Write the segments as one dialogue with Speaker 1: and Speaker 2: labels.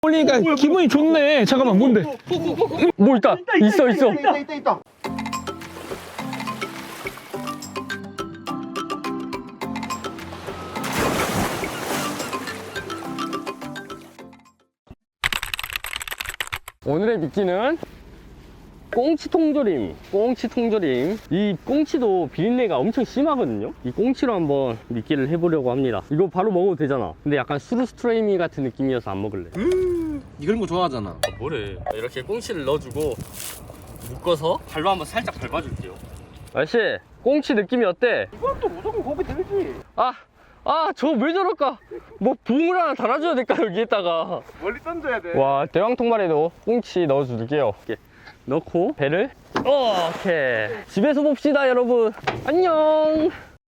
Speaker 1: 올리니까 기분이 좋네. 잠깐만, 뭔데? 뭐 있다. 있어.
Speaker 2: 있다.
Speaker 3: 오늘의 미끼는 꽁치 통조림. 이 꽁치도 비린내가 엄청 심하거든요. 이 꽁치로 한번 미끼를 해보려고 합니다. 이거 바로 먹어도 되잖아. 근데 약간 수루스트레이미 같은 느낌이어서 안 먹을래.
Speaker 4: 이런 거 좋아하잖아.
Speaker 3: 뭐래. 이렇게 꽁치를 넣어주고 묶어서 발로 한번 살짝 밟아줄게요. 아저씨, 꽁치 느낌이 어때?
Speaker 2: 이건 또 무조건 고기 들지.
Speaker 3: 저 왜 저럴까? 뭐 부음을 하나 달아줘야 될까, 여기에다가.
Speaker 2: 멀리 던져야 돼.
Speaker 3: 와, 대왕 통발에도 꽁치 넣어줄게요. 이렇게 넣고 배를 이렇게 집에서 봅시다, 여러분. 안녕.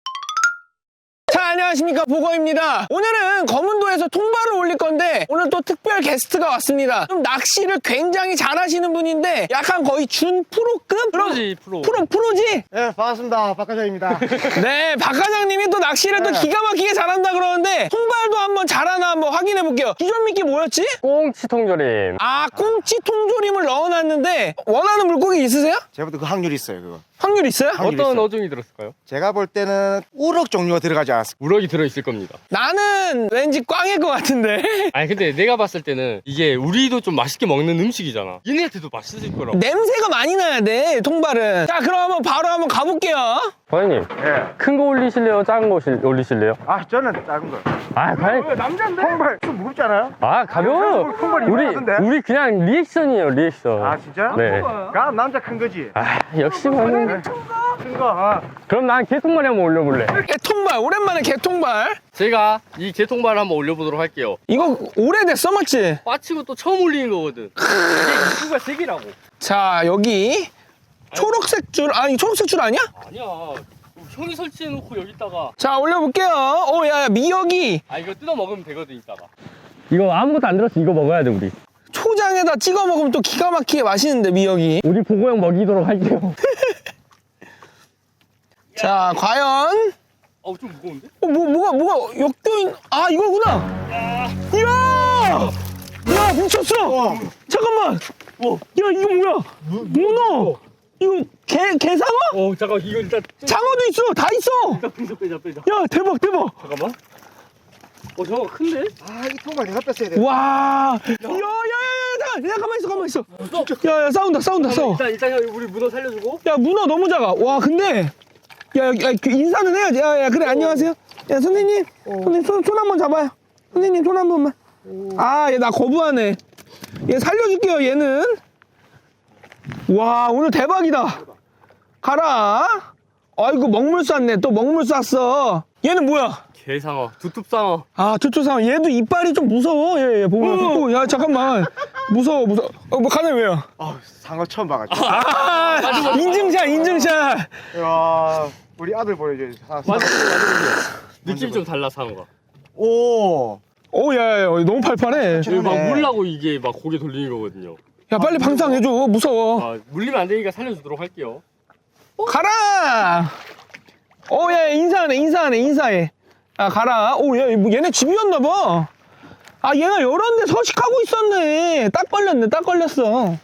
Speaker 1: 자, 안녕하십니까, 보거입니다. 오늘은 검은도에서 통발을 올릴 건데 오늘 또 특별 게스트가 왔습니다. 좀 낚시를 굉장히 잘하시는 분인데 약간 거의 준 프로급?
Speaker 3: 프로지.
Speaker 1: 프로지?
Speaker 2: 네, 반갑습니다. 박과장입니다.
Speaker 1: 네, 박 과장님이 또 낚시를 또 기가 막히게 잘한다 그러는데 통발도 한번 잘하나 한번 확인해 볼게요. 기존 미끼 뭐였지?
Speaker 3: 꽁치 통조림.
Speaker 1: 꽁치 통조림을 넣어놨는데 원하는 물고기 있으세요?
Speaker 2: 제가부터 그 확률이 있어요, 그거.
Speaker 1: 확률 있어요?
Speaker 2: 확률
Speaker 3: 어떤
Speaker 2: 있어요.
Speaker 3: 어종이 들었을까요?
Speaker 2: 제가 볼 때는 우럭 종류가 들어가지 않았을까.
Speaker 3: 우럭이 들어있을 겁니다.
Speaker 1: 나는 왠지 꽝일 것 같은데.
Speaker 3: 아니 근데 내가 봤을 때는 이게 우리도 좀 맛있게 먹는 음식이잖아. 얘네한테도 맛있을 거라고.
Speaker 1: 냄새가 많이 나야 돼, 통발은. 자, 그럼 바로 한번 가볼게요.
Speaker 3: 과장님,
Speaker 2: 예.
Speaker 3: 큰 거 올리실래요? 작은 거 올리실래요?
Speaker 2: 저는 작은 거.
Speaker 3: 과장님.
Speaker 2: 남자인데? 통발 좀 무겁지 않아요?
Speaker 3: 가벼워요.
Speaker 2: 통발 이만하던데?
Speaker 3: 우리 그냥 리액션이에요, 리액션.
Speaker 2: 진짜?
Speaker 3: 네.
Speaker 2: 그럼 남자 큰 거지?
Speaker 3: 역시 과장님.
Speaker 2: 큰 거.
Speaker 3: 그럼 난 개통발이 한번 올려볼래.
Speaker 1: 개통발, 오랜만에 개통발.
Speaker 3: 제가 이 개통발을 한번 올려보도록 할게요.
Speaker 1: 이거 오래됐어, 맞지?
Speaker 3: 빠치고 또 처음 올리는 거거든. 이게 입구가 3개라고.
Speaker 1: 자, 여기 초록색 줄, 아니 초록색 줄 아니야?
Speaker 3: 아니야. 형이 설치해놓고 여기다가.
Speaker 1: 자, 올려볼게요. 야, 미역이
Speaker 3: 이거 뜯어 먹으면 되거든, 이따가. 이거 아무것도 안 들었어. 이거 먹어야 돼, 우리.
Speaker 1: 초장에다 찍어 먹으면 또 기가 막히게 맛있는데, 미역이.
Speaker 3: 우리 보고형 먹이도록 할게요.
Speaker 1: 자, 과연.
Speaker 3: 좀 무거운데?
Speaker 1: 뭐가 역도인. 이거구나. 이야, 미쳤어. 잠깐만. 야, 이거 뭐야? 문어. 이거 개상어?
Speaker 3: 잠깐, 이거 일단.
Speaker 1: 장어도 있어. 다 있어.
Speaker 3: 일단 빼자.
Speaker 1: 야, 대박.
Speaker 3: 잠깐만. 저거 큰데?
Speaker 2: 이 통발 내가 뺐어야 돼.
Speaker 1: 와. 야, 가만히 있어. 야, 싸워.
Speaker 3: 일단 형, 우리 문어 살려주고.
Speaker 1: 야, 문어 너무 작아. 와, 근데. 야, 그 인사는 해야지. 야, 그래, 안녕하세요. 야, 선생님. 선생님, 손 한번 잡아요. 선생님, 손 한 번만. 얘 나 거부하네. 얘 살려줄게요, 얘는. 와, 오늘 대박이다. 가라. 아이고, 먹물 쐈네. 또 먹물 쐈어. 얘는 뭐야?
Speaker 3: 개상어, 두툼상어.
Speaker 1: 저쪽상 얘도 이빨이 좀 무서워. 얘 보면. 야, 잠깐만. 무서워. 뭐 가네 왜요?
Speaker 2: 상어 처음 봐가지고.
Speaker 1: 인증샷.
Speaker 2: 야, 우리 아들 보여줘야지.
Speaker 3: 맞아. 느낌이 좀 달라, 상어가.
Speaker 1: 야, 너무 팔팔해.
Speaker 3: 막 물라고 이게 막 고개 돌리는 거거든요.
Speaker 1: 야, 빨리 방상해줘. 무서워.
Speaker 3: 물리면 안 되니까 살려주도록 할게요.
Speaker 1: 가라. 야, 인사하네. 가라. 야, 얘네 집이었나봐. 얘가 여러 데 서식하고 있었네. 딱 걸렸어.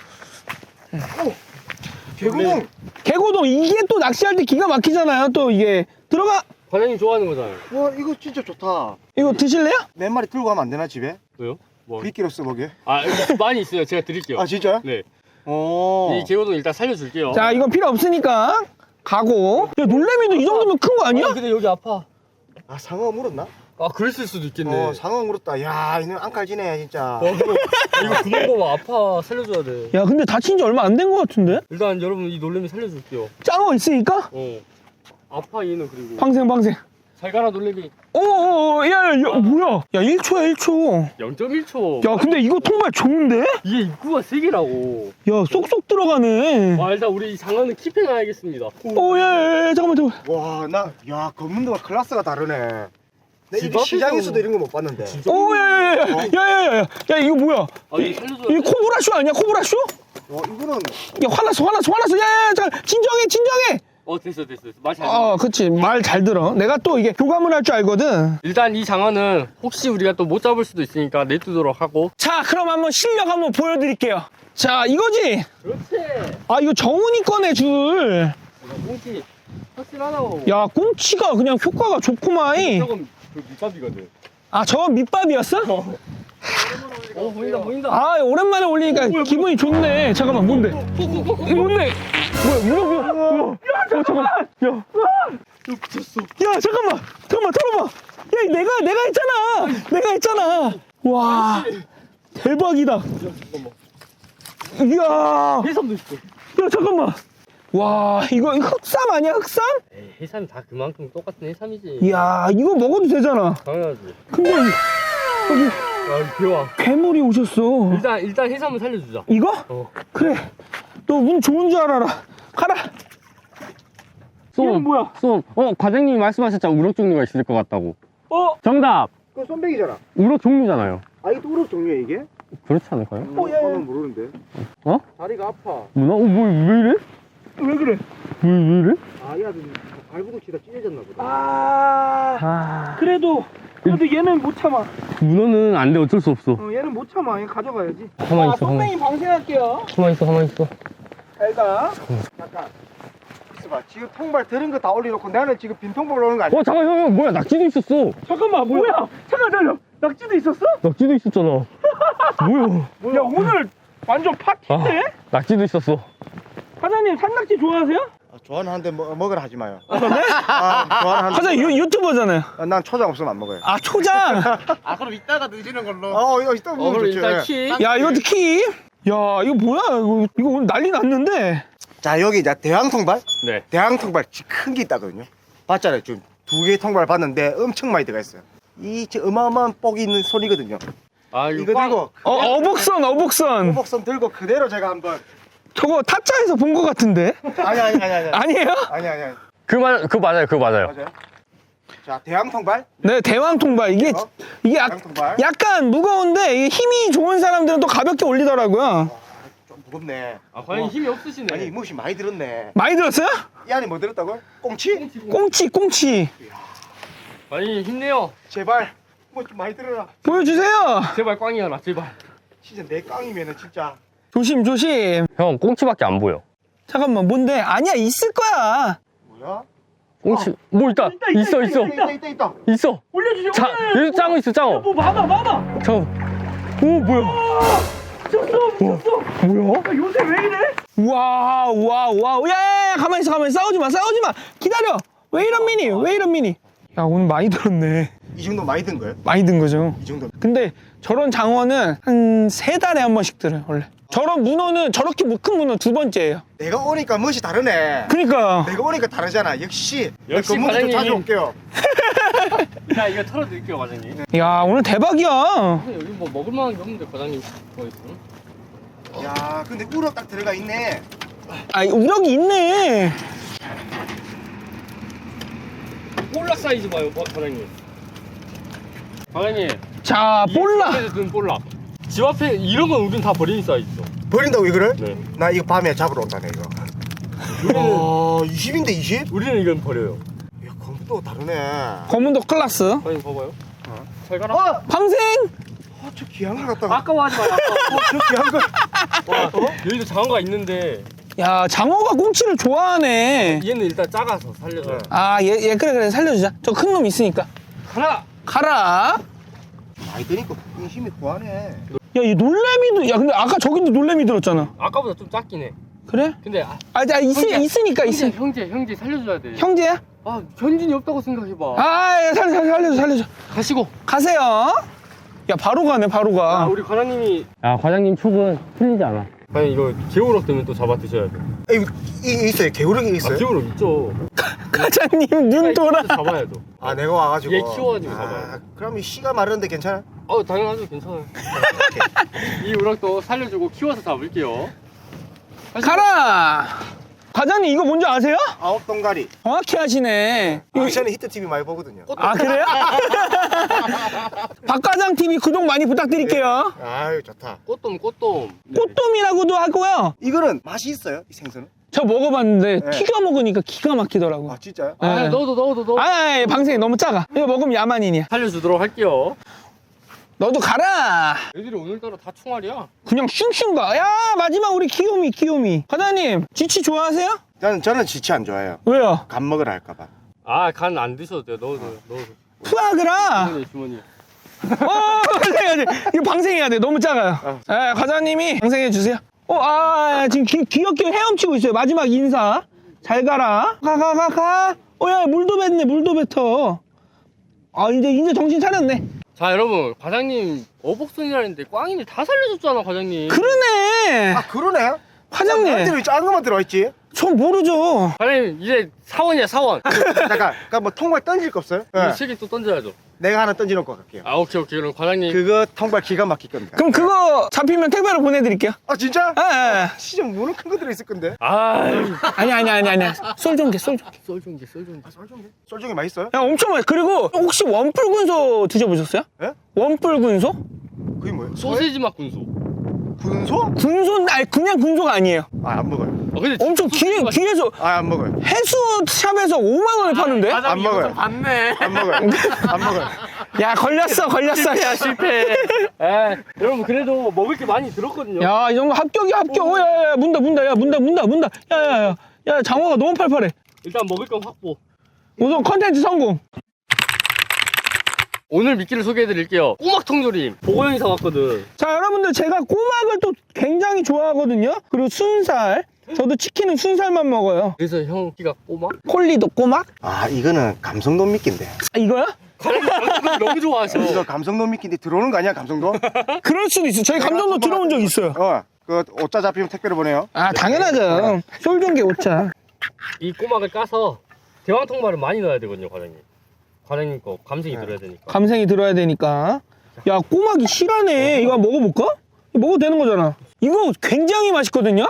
Speaker 1: 개고동. 이게 또 낚시할 때 기가 막히잖아요. 또 이게. 들어가.
Speaker 3: 과장님 좋아하는 거잖아요.
Speaker 2: 와, 이거 진짜 좋다.
Speaker 1: 이거 드실래요?
Speaker 2: 몇 마리 들고 가면 안 되나, 집에?
Speaker 3: 왜요? 뭐?
Speaker 2: 미끼로 써보게.
Speaker 3: 이거 많이 있어요. 제가 드릴게요.
Speaker 2: 진짜요?
Speaker 3: 네. 이 개고동 일단 살려줄게요.
Speaker 1: 자, 이건 필요 없으니까 가고. 야, 놀래미도 이 정도면 큰 거 아니야?
Speaker 3: 근데 여기 아파.
Speaker 2: 상어 물었나?
Speaker 3: 그랬을 수도 있겠네.
Speaker 2: 상어 물었다. 야, 이놈 안칼지네, 진짜.
Speaker 3: 이거 구멍 봐봐. 아파. 살려줘야 돼.
Speaker 1: 야, 근데 다친 지 얼마 안 된 거 같은데?
Speaker 3: 일단 여러분 이 놀래미 살려줄게요.
Speaker 1: 짱어 있으니까?
Speaker 3: 아파 얘는. 그리고
Speaker 1: 방생.
Speaker 3: 잘 가라 놀래미.
Speaker 1: 야, 뭐야? 야, 1초야, 1초.
Speaker 3: 0.1초.
Speaker 1: 야, 근데 이거 정말 좋은데?
Speaker 3: 이게 입구가 3개라고.
Speaker 1: 야, 쏙쏙 들어가네.
Speaker 3: 일단 우리 장어는 킵해놔야겠습니다.
Speaker 1: 야, 잠깐만.
Speaker 2: 와, 야, 검문도가 클래스가 다르네. 내
Speaker 3: 집
Speaker 2: 이거 시장에서도
Speaker 3: 앞에서-
Speaker 2: 이런 거 못 봤는데.
Speaker 3: 진짜?
Speaker 1: 야, 이거 뭐야?
Speaker 3: 이거 살려줘야
Speaker 1: 이거 코브라쇼 아니야, 코브라쇼?
Speaker 2: 이거는
Speaker 1: 야, 화났어. 야, 잠깐, 진정해.
Speaker 3: 됐어. 말 잘 들어.
Speaker 1: 그치. 말 잘 들어. 내가 또 이게 교감을 할 줄 알거든.
Speaker 3: 일단 이 장어는 혹시 우리가 또 못 잡을 수도 있으니까 내두도록 하고.
Speaker 1: 자, 그럼 한번 실력 한번 보여드릴게요. 자, 이거지?
Speaker 3: 그렇지.
Speaker 1: 아, 이거 정훈이 거네, 줄.
Speaker 3: 꽁치 확실하다고.
Speaker 1: 야, 꽁치가 그냥 효과가 좋구만.
Speaker 3: 저건 그 밑밥이거든.
Speaker 1: 아, 저건 밑밥이었어?
Speaker 3: 보인다.
Speaker 1: 아, 오랜만에 올리니까 기분이 좋네. 잠깐만, 뭔데? 이게 뭔데? 뭐야. 잠깐만. 야.
Speaker 3: 붙였어.
Speaker 1: 야, 잠깐만, 털어봐. 야, 내가 했잖아. 와, 대박이다. 이야,
Speaker 3: 해삼도 있어.
Speaker 1: 야, 잠깐만. 와, 이거 흑삼 아니야, 흑삼?
Speaker 3: 에이, 해삼이 다 그만큼 똑같은 해삼이지.
Speaker 1: 이야, 이거 먹어도 되잖아.
Speaker 3: 당연하지.
Speaker 1: 근데 여기
Speaker 3: 야, 귀여워.
Speaker 1: 괴물이 오셨어.
Speaker 3: 일단 해삼을 살려주자.
Speaker 1: 이거? 그래. 너 운 좋은 줄 알아라. 가라. 얘는 뭐야?
Speaker 3: 쏨. 과장님이 말씀하셨잖아. 우럭 종류가 있을 것 같다고. 정답.
Speaker 2: 그거 쏨백이잖아.
Speaker 3: 우럭 종류잖아요.
Speaker 2: 아 이게 또 우럭 종류야 이게?
Speaker 3: 그렇지 않을까요?
Speaker 2: 저는 모르는데.
Speaker 3: 다리가 아파. 문어? 왜 이래?
Speaker 1: 왜 그래?
Speaker 3: 왜 이래?
Speaker 2: 아 얘가 발부둥 치다 찢어졌나 보다.
Speaker 1: 그래도 얘는 못 참아.
Speaker 3: 문어는 안 돼. 어쩔 수 없어.
Speaker 1: 얘는 못 참아. 얘 가져가야지.
Speaker 3: 가만히 있어.
Speaker 1: 선배님 방생할게요.
Speaker 3: 가만히 있어.
Speaker 1: 잘 가.
Speaker 2: 잠깐. 있어봐. 지금 통발 들은 거 다 올려놓고 나는 지금 빈 통발 오는 거 아니야?
Speaker 3: 잠깐 형 뭐야? 낙지도 있었어.
Speaker 1: 잠깐만, 뭐야? 잠깐 기다려. 낙지도 있었어?
Speaker 3: 낙지도 있었잖아. 뭐야?
Speaker 1: 야, 오늘 완전 파티인데?
Speaker 3: 낙지도 있었어.
Speaker 1: 사장님, 산낙지 좋아하세요?
Speaker 2: 좋아하는 한데 먹으라 하지 마요.
Speaker 1: 네?
Speaker 2: 좋아하는 한데.
Speaker 1: 사장님, 유튜버잖아요.
Speaker 2: 난 초장 없으면 안 먹어요.
Speaker 1: 아, 초장.
Speaker 4: 그럼 이따가 드시는 걸로.
Speaker 2: 이거 이따 먹으면
Speaker 3: 그럼
Speaker 2: 좋지.
Speaker 3: 일단 키.
Speaker 1: 야, 이거 키? 야, 이거 뭐야? 이거 오늘 난리 났는데?
Speaker 2: 자 여기 이제 대왕 통발.
Speaker 3: 네.
Speaker 2: 대왕 통발 큰 게 있다거든요. 봤잖아요. 지금 2개의 통발 봤는데 엄청 많이 들어가 있어요. 이 어마어마한 뻑이 있는 손이거든요.
Speaker 3: 이거
Speaker 2: 이거 들고
Speaker 1: 어복선.
Speaker 2: 호복선 들고 그대로 제가 한번.
Speaker 1: 저거 타짜에서 본 것 같은데?
Speaker 2: 아니.
Speaker 1: 아니에요?
Speaker 2: 아니.
Speaker 3: 그거 맞아요.
Speaker 2: 맞아요. 자 대왕 통발.
Speaker 1: 네, 대왕 통발. 이게
Speaker 2: 대왕 통발.
Speaker 1: 약간 무거운데 이게 힘이 좋은 사람들은 또 가볍게 올리더라고요.
Speaker 2: 좀 무겁네.
Speaker 3: 과연 힘이 없으시네.
Speaker 2: 아니 무엇이 많이 들었네.
Speaker 1: 많이 들었어요?
Speaker 2: 이 안에 뭐 들었다고요? 꽁치?
Speaker 1: 꽁치.
Speaker 3: 아니 힘내요.
Speaker 2: 제발 뭐 좀 많이 들어라.
Speaker 1: 보여주세요.
Speaker 3: 제발 꽝이어라 제발.
Speaker 2: 진짜 내 깡이면은 진짜.
Speaker 1: 조심.
Speaker 3: 형 꽁치밖에 안 보여.
Speaker 1: 잠깐만, 뭔데? 아니야, 있을 거야.
Speaker 2: 뭐야?
Speaker 3: 꽁치 뭐 있다. 있어.
Speaker 2: 있다.
Speaker 3: 있어.
Speaker 1: 올려주세요.
Speaker 3: 자 여기 짱어 있어 짱어.
Speaker 1: 뭐 많아.
Speaker 3: 잠깐. 오 뭐야?
Speaker 1: 미쳤어.
Speaker 3: 뭐야?
Speaker 1: 요새 왜 이래? 와. 야, 가만히 있어. 싸우지 마. 기다려. 왜 이런 미니? 야, 오늘 많이 들었네.
Speaker 2: 이 정도 많이 든 거예요?
Speaker 1: 많이 든 거죠.
Speaker 2: 이 정도.
Speaker 1: 근데 저런 장어는 한 3달에 한 번씩 들어요, 원래. 저런 문어는 저렇게 큰 문어 2번째예요.
Speaker 2: 내가 오니까 멋이 다르네.
Speaker 1: 그러니까.
Speaker 2: 내가 오니까 다르잖아. 역시.
Speaker 3: 역시
Speaker 2: 건물도 좀
Speaker 3: 과장님이-
Speaker 2: 자주 올게요.
Speaker 3: 자 이거 털어드릴게요 과장님.
Speaker 1: 야, 오늘 대박이야.
Speaker 3: 여기 뭐 먹을만한 게 없는데 과장님 뭐 있어?
Speaker 2: 야, 근데 우럭 딱 들어가 있네.
Speaker 1: 아, 우럭이 있네.
Speaker 3: 볼락 사이즈 봐요 과장님. 과장님.
Speaker 1: 자, 볼락.
Speaker 3: 집에서 든 볼락. 집 앞에 이런 건 우린 다 버리는 사이즈죠.
Speaker 2: 버린다고 이거를?
Speaker 3: 네.
Speaker 2: 나 이거 밤에 잡으러 온다네 이거.
Speaker 3: 우리는
Speaker 2: 20인데 20?
Speaker 3: 우리는 이건 버려요.
Speaker 2: 야, 검도 다르네.
Speaker 1: 검은도 클라스.
Speaker 3: 과장님 봐봐요. 잘 가라.
Speaker 1: 방생.
Speaker 2: 저 귀한 걸 갖다가.
Speaker 3: 아까워하지 마요.
Speaker 2: 저 귀한 걸.
Speaker 3: 와, 여기도 장어가 있는데
Speaker 1: 야, 장어가 꽁치를 좋아하네.
Speaker 3: 얘는 일단 작아서 살려줘요.
Speaker 1: 아, 얘 그래 살려주자. 저 큰 놈 있으니까. 가라.
Speaker 2: 많이 드니까 힘이 구하네.
Speaker 1: 야, 얘 놀래미도. 야, 근데 아까 저기도 놀래미 들었잖아.
Speaker 3: 아까보다 좀 작긴 해.
Speaker 1: 그래?
Speaker 3: 근데
Speaker 1: 있으니까.
Speaker 3: 형제 살려줘야 돼.
Speaker 1: 형제야?
Speaker 3: 견진이 없다고 생각해봐.
Speaker 1: 야, 살려줘.
Speaker 3: 가시고.
Speaker 1: 가세요. 야, 바로 가네, 바로 가.
Speaker 3: 우리 과장님이. 과장님 촉은 틀리지 않아. 과장님 이거 개우럭 되면 또 잡아 드셔야 돼.
Speaker 2: 이 있어요. 개우럭이 있어요?
Speaker 3: 개우럭 있죠.
Speaker 1: 과장님 눈 돌아.
Speaker 3: 잡아야죠.
Speaker 2: 내가 와가지고.
Speaker 3: 얘 키워가지고 잡아요.
Speaker 2: 그럼 이 씨가 마르는데 괜찮아?
Speaker 3: 당연하죠. 괜찮아요. 이 우럭도 살려주고 키워서 잡을게요.
Speaker 1: 가라. 과장님 이거 뭔지 아세요?
Speaker 2: 아홉 동가리.
Speaker 1: 정확히 하시네.
Speaker 2: 저는 히트TV 많이 보거든요.
Speaker 1: 아, 그래요? 박과장 TV 구독 많이 부탁드릴게요.
Speaker 2: 아유 좋다.
Speaker 3: 꽃돔.
Speaker 1: 꽃돔이라고도 하고요.
Speaker 2: 이거는 맛이 있어요? 이 생선은?
Speaker 1: 저 먹어봤는데
Speaker 2: 네.
Speaker 1: 튀겨 먹으니까 기가 막히더라고.
Speaker 2: 아 진짜요?
Speaker 1: 네.
Speaker 3: 아, 넣어도.
Speaker 1: 방생이 너무 작아. 이거 먹으면 야만인이야.
Speaker 3: 살려주도록 할게요.
Speaker 1: 너도 가라.
Speaker 3: 애들이 오늘따라 다 총알이야.
Speaker 1: 그냥 슝슝 가. 야, 마지막 우리 귀요미. 과장님, 지치 좋아하세요?
Speaker 2: 저는 지치 안 좋아해요.
Speaker 1: 왜요?
Speaker 2: 간 먹으라 할까봐.
Speaker 3: 아, 간 안 드셔도 돼요. 넣어도.
Speaker 1: 푸아그라.
Speaker 3: 주머니.
Speaker 1: 이거 방생해야 돼. 너무 작아요. 예, 과장님이 방생해 주세요. 지금 귀엽게 헤엄치고 있어요. 마지막 인사. 잘 가라. 가. 야, 물도 뱉어. 이제 정신 차렸네.
Speaker 3: 자, 여러분, 과장님 어복순이라는데 꽝이네 다 살려줬잖아, 과장님.
Speaker 1: 그러네.
Speaker 2: 그러네.
Speaker 1: 과장님.
Speaker 2: 왜 작은 것만 들어있지?
Speaker 1: 전 모르죠.
Speaker 3: 과장님 이제 사원이야, 사원.
Speaker 2: 잠깐, 뭐 통발 던질 거 없어요?
Speaker 3: 이거 세개 또 던져야죠.
Speaker 2: 내가 하나 던져놓고 갈게요.
Speaker 3: 아, 오케이. 그럼 과장님.
Speaker 2: 그거 통발 기가 막힐 겁니다.
Speaker 1: 그럼 그거 잡히면 택배로 보내드릴게요.
Speaker 2: 진짜?
Speaker 1: 예.
Speaker 2: 진짜 무는 큰 거 들어있을 건데.
Speaker 1: 아니야. 쏠종개.
Speaker 3: 썰종기.
Speaker 2: 썰종이 맛있어요?
Speaker 1: 야, 엄청 맛있어. 그리고 혹시 원뿔군소 드셔보셨어요?
Speaker 2: 예?
Speaker 1: 원뿔군소?
Speaker 2: 그게 뭐예요?
Speaker 3: 소세지 맛 군소.
Speaker 2: 군소?
Speaker 1: 그냥 군소가 아니에요.
Speaker 2: 안 먹어요.
Speaker 3: 근데
Speaker 1: 엄청 귀해서
Speaker 2: 안 먹어요.
Speaker 1: 해수샵에서 5만 원에 파는데?
Speaker 2: 안 먹어요.
Speaker 3: 봤네.
Speaker 2: 안 먹어요.
Speaker 1: 야, 걸렸어.
Speaker 3: 실패. 에, 여러분 그래도 먹을 게 많이 들었거든요.
Speaker 1: 야, 이 정도 합격이야, 합격. 야, 문다. 야, 장어가 너무 팔팔해.
Speaker 3: 일단 먹을 건 확보.
Speaker 1: 우선 컨텐츠 성공.
Speaker 3: 오늘 미끼를 소개해드릴게요. 꼬막 통조림. 보고 영상 왔거든.
Speaker 1: 자, 여러분들 제가 꼬막을 또 굉장히 좋아하거든요. 그리고 순살. 저도 치킨은 순살만 먹어요.
Speaker 3: 그래서 형 키가 꼬막?
Speaker 1: 콜리도 꼬막?
Speaker 2: 이거는 감성돔 미끼인데.
Speaker 1: 이거야?
Speaker 3: 과장님 너무 좋아하셔.
Speaker 2: 이거 감성돔 미끼인데 들어오는 거 아니야, 감성돔?
Speaker 1: 그럴 수도 있어. 저희 감정도 들어온 적 있어요.
Speaker 2: 그 오자 잡히면 택배로 보내요.
Speaker 1: 당연하죠. 쏠종개 오차.
Speaker 3: 이 꼬막을 까서 대왕통발을 많이 넣어야 되거든요, 과장님. 과장님 거 감성이 들어야 되니까.
Speaker 1: 감생이 들어야 되니까. 야, 꼬막이 실하네. 이거 한번 먹어볼까? 이거 먹어도 되는 거잖아. 이거 굉장히 맛있거든요?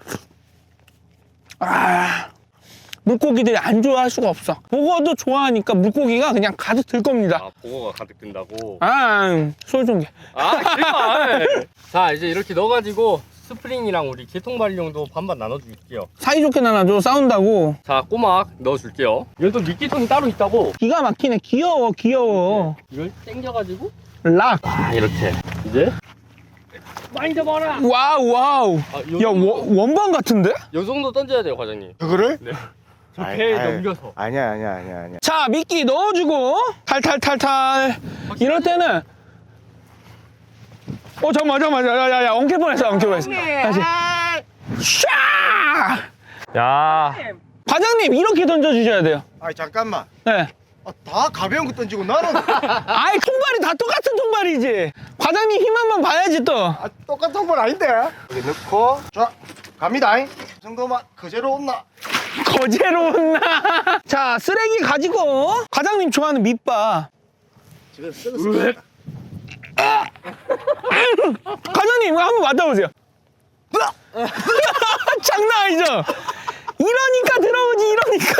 Speaker 1: 물고기들이 안 좋아할 수가 없어. 보고도 좋아하니까 물고기가 그냥 가득 들 겁니다.
Speaker 3: 보고가 가득 든다고.
Speaker 1: 쏠종개.
Speaker 3: 제발. 자, 이제 이렇게 넣어가지고 스프링이랑 우리 개통발용도 반반 나눠줄게요.
Speaker 1: 사이좋게 나눠줘. 싸운다고.
Speaker 3: 자, 꼬막 넣어줄게요. 이건 또 미끼통이 따로 있다고.
Speaker 1: 기가 막히네. 귀여워.
Speaker 3: 이걸 당겨가지고
Speaker 1: 락.
Speaker 3: 이렇게 이제 많이 잡아라.
Speaker 1: 와우. 야, 원반 같은데?
Speaker 3: 요 정도 던져야 돼요, 과장님.
Speaker 2: 그거를?
Speaker 3: 네. 저 배에 넘겨서.
Speaker 2: 아니야.
Speaker 1: 자, 미끼 넣어주고 탈탈. 이럴 때는 잠깐만. 야, 엉킬 뻔했어. 다시. 샤!
Speaker 3: 야.
Speaker 1: 과장님, 이렇게 던져주셔야 돼요.
Speaker 2: 잠깐만.
Speaker 1: 네.
Speaker 2: 다 가벼운 거 던지고 나는
Speaker 1: 통발이 다 똑같은 통발이지. 과장님 힘 한번 봐야지 또.
Speaker 2: 똑같은 통발 아닌데. 여기 넣고 자 갑니다. 이 정도만 그대로 온나.
Speaker 1: 거제로 온나. 자, 쓰레기 가지고 과장님 좋아하는 밑밥. 과장님 한번 맡아보세요. 장난 아니죠? 이러니까 들어오지.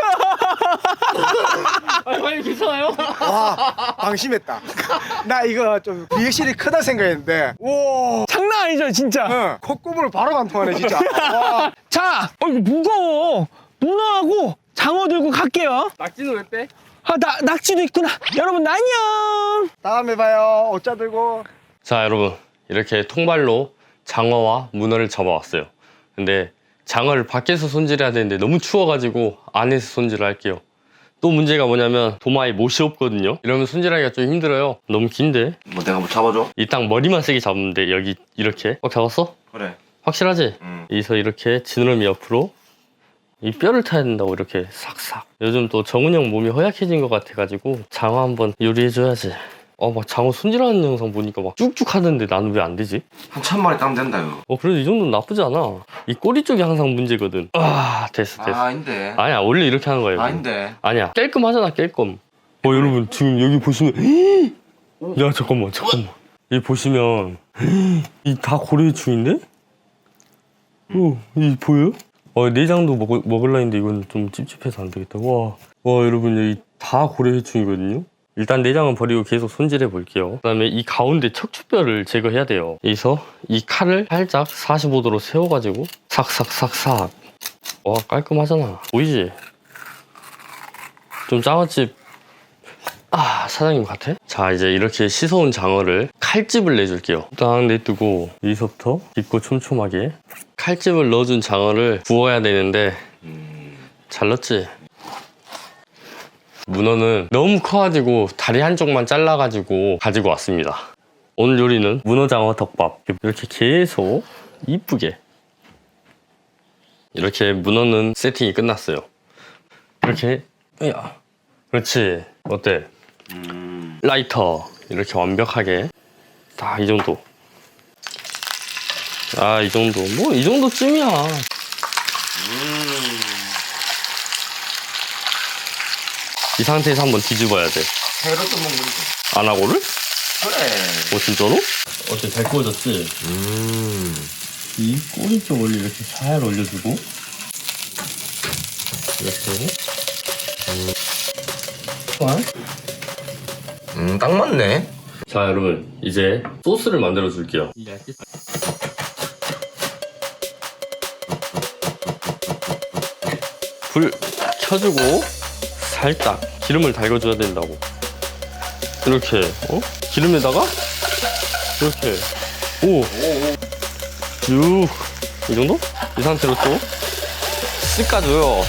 Speaker 3: 과장님 괜찮아요?
Speaker 2: 와 방심했다. 나 이거 좀 리액션이 크다 생각했는데 와
Speaker 1: 장난 아니죠 진짜.
Speaker 2: 콧구멍을 바로 관통하네 진짜. 와.
Speaker 1: 자, 이거 무거워. 문어하고 장어 들고 갈게요.
Speaker 3: 낙지는 왜 빼?
Speaker 1: 낙지도 있구나. 여러분 안녕.
Speaker 2: 다음에 봐요. 옷자 들고.
Speaker 3: 자, 여러분 이렇게 통발로 장어와 문어를 잡아왔어요. 근데 장어를 밖에서 손질해야 되는데 너무 추워가지고 안에서 손질을 할게요. 또 문제가 뭐냐면 도마에 못이 없거든요. 이러면 손질하기가 좀 힘들어요. 너무 긴데.
Speaker 2: 내가 뭐 잡아줘?
Speaker 3: 이 딱 머리만 세게 잡으면 돼. 여기 이렇게. 잡았어?
Speaker 2: 그래.
Speaker 3: 확실하지? 여기서 이렇게 지느러미 옆으로 이 뼈를 타야 된다고 이렇게 싹싹. 요즘 또 정훈이 형 몸이 허약해진 것 같아가지고 장어 한번 요리해줘야지. 막 장어 손질하는 영상 보니까 막 쭉쭉 하던데 나는 왜 안 되지?
Speaker 2: 한 1000마리 따면 된다 이거.
Speaker 3: 그래도 이 정도는 나쁘지 않아. 이 꼬리 쪽이 항상 문제거든. 됐어.
Speaker 2: 아닌데.
Speaker 3: 아니야, 원래 이렇게 하는 거예요.
Speaker 2: 아닌데.
Speaker 3: 아니야, 깔끔하잖아, 깔끔. 여러분 지금 여기 보시면 야 잠깐만. 여기 보시면 이 다 고래충인데? 이 보여요? 내장도 먹을라 했는데 이건 좀 찝찝해서 안 되겠다. 와 여러분 여기 다 고래충이거든요. 일단 내장은 버리고 계속 손질해 볼게요. 그 다음에 이 가운데 척추뼈를 제거해야 돼요. 여기서 이 칼을 살짝 45도로 세워가지고 삭삭삭삭 와, 깔끔하잖아. 보이지? 좀 장어집 사장님 같아? 자, 이제 이렇게 씻어온 장어를 칼집을 내줄게요. 딱 내뜨고 여기서부터 깊고 촘촘하게 칼집을 넣어준 장어를 구워야 되는데 잘 넣었지? 문어는 너무 커가지고 다리 한쪽만 잘라가지고 가지고 왔습니다. 오늘 요리는 문어장어 덮밥. 이렇게 계속 이쁘게 이렇게 문어는 세팅이 끝났어요. 이렇게 그렇지. 어때? 라이터 이렇게 완벽하게 다 이 정도. 이 정도. 뭐 이 정도쯤이야. 이 상태에서 한번 뒤집어야 돼.
Speaker 2: 회로도 먹는데.
Speaker 3: 안 하고를?
Speaker 2: 그래.
Speaker 3: 진짜로? 어때? 잘 구워졌지? 이 꼬리 쪽을 이렇게 잘 올려주고 이렇게
Speaker 2: 딱 맞네.
Speaker 3: 자, 여러분 이제 소스를 만들어 줄게요. 불 켜주고 살짝 기름을 달궈줘야 된다고. 이렇게 기름에다가 이렇게 쭉 이 정도? 이 상태로 또 씻어줘요.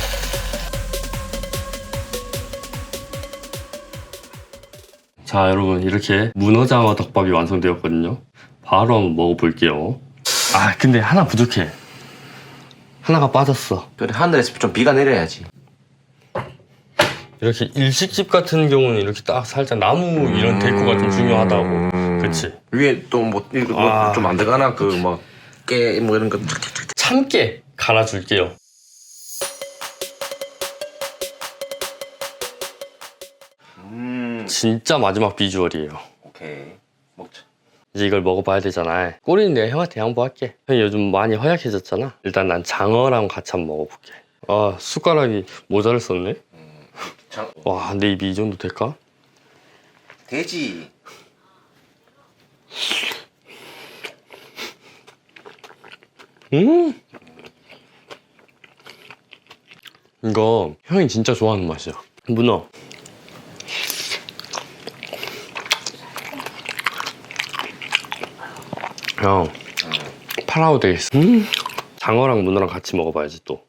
Speaker 3: 자, 여러분 이렇게 문어장어 덮밥이 완성되었거든요. 바로 한번 먹어볼게요. 근데 하나 부족해. 하나가 빠졌어.
Speaker 2: 그래, 하늘에서 좀 비가 내려야지.
Speaker 3: 이렇게 일식집 같은 경우는 이렇게 딱 살짝 나무 이런 데코가 좀 중요하다고. 그치?
Speaker 2: 위에 또 뭐 이거 좀 안 들어가나? 그 뭐 깨 뭐 이런 거.
Speaker 3: 참깨 갈아줄게요. 진짜 마지막 비주얼이에요.
Speaker 2: 오케이, 먹자.
Speaker 3: 이제 이걸 먹어봐야 되잖아. 꼬리는 내가 형한테 양보할게. 형이 요즘 많이 허약해졌잖아. 일단 난 장어랑 같이 한번 먹어볼게. 숟가락이 모자를 썼네. 와, 내 입이 이 정도 될까?
Speaker 2: 돼지.
Speaker 3: 이거 형이 진짜 좋아하는 맛이야. 문어. 형, 파라오 되겠어. 장어랑 문어랑 같이 먹어봐야지 또.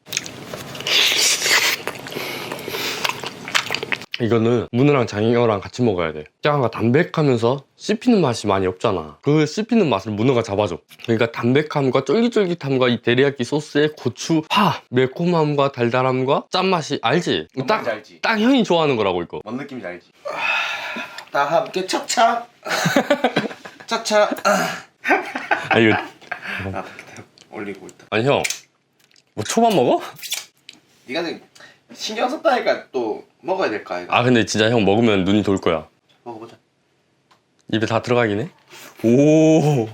Speaker 3: 이거는 문어랑 장어랑 같이 먹어야 돼. 장어가 담백하면서 씹히는 맛이 많이 없잖아. 그 씹히는 맛을 문어가 잡아줘. 그러니까 담백함과 쫄깃쫄깃함과 이 데리야끼 소스의 고추, 파, 매콤함과 달달함과 짠맛이 알지?
Speaker 2: 알지.
Speaker 3: 딱 형이 좋아하는 거라고 이거.
Speaker 2: 뭔 느낌인지 알지? 다 함께 차차. 차차.
Speaker 3: 이거
Speaker 2: 올리고 있다.
Speaker 3: 아니 형, 뭐 초밥 먹어?
Speaker 2: 네가 신경 썼다니까 또 먹어야 될까 이거.
Speaker 3: 근데 진짜 형 먹으면 눈이 돌 거야.
Speaker 2: 먹어보자.
Speaker 3: 입에 다 들어가긴 해. 오.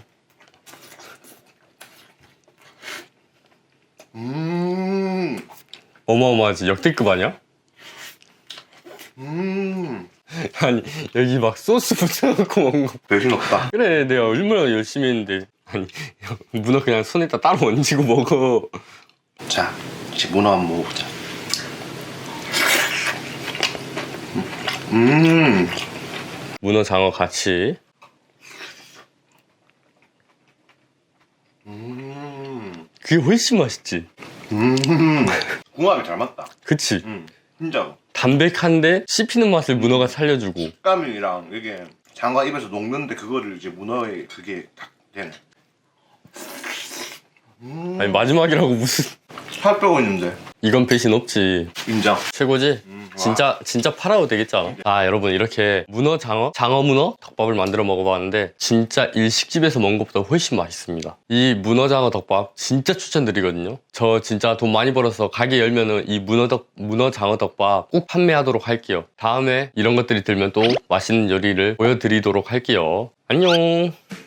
Speaker 3: 어마어마하지. 역대급 아니야? 아니 여기 막 소스 붙여놓고 먹는 거.
Speaker 2: 배신 없다.
Speaker 3: 그래, 내가 얼마나 열심히 했는데. 아니 형, 문어 그냥 손에다 따로 얹고 먹어.
Speaker 2: 자, 이제 문어 한번 먹어보자.
Speaker 3: 문어 장어 같이. 그게 훨씬 맛있지.
Speaker 2: 궁합이 잘 맞다.
Speaker 3: 그치?
Speaker 2: 진짜로.
Speaker 3: 담백한데 씹히는 맛을 문어가 살려주고.
Speaker 2: 식감이랑 이게 장어가 입에서 녹는데 그거를 이제 문어에 그게 딱 되네.
Speaker 3: 아니 마지막이라고 무슨.
Speaker 2: 살 빼고 있는데.
Speaker 3: 이건 배신 없지.
Speaker 2: 인정.
Speaker 3: 최고지? 진짜 파라오 되겠지 않아? 여러분 이렇게 문어 장어 문어 덮밥을 만들어 먹어봤는데 진짜 일식집에서 먹은 것보다 훨씬 맛있습니다. 이 문어 장어 덮밥 진짜 추천드리거든요. 저 진짜 돈 많이 벌어서 가게 열면은 이 문어 장어 덮밥 꼭 판매하도록 할게요. 다음에 이런 것들이 들면 또 맛있는 요리를 보여드리도록 할게요. 안녕.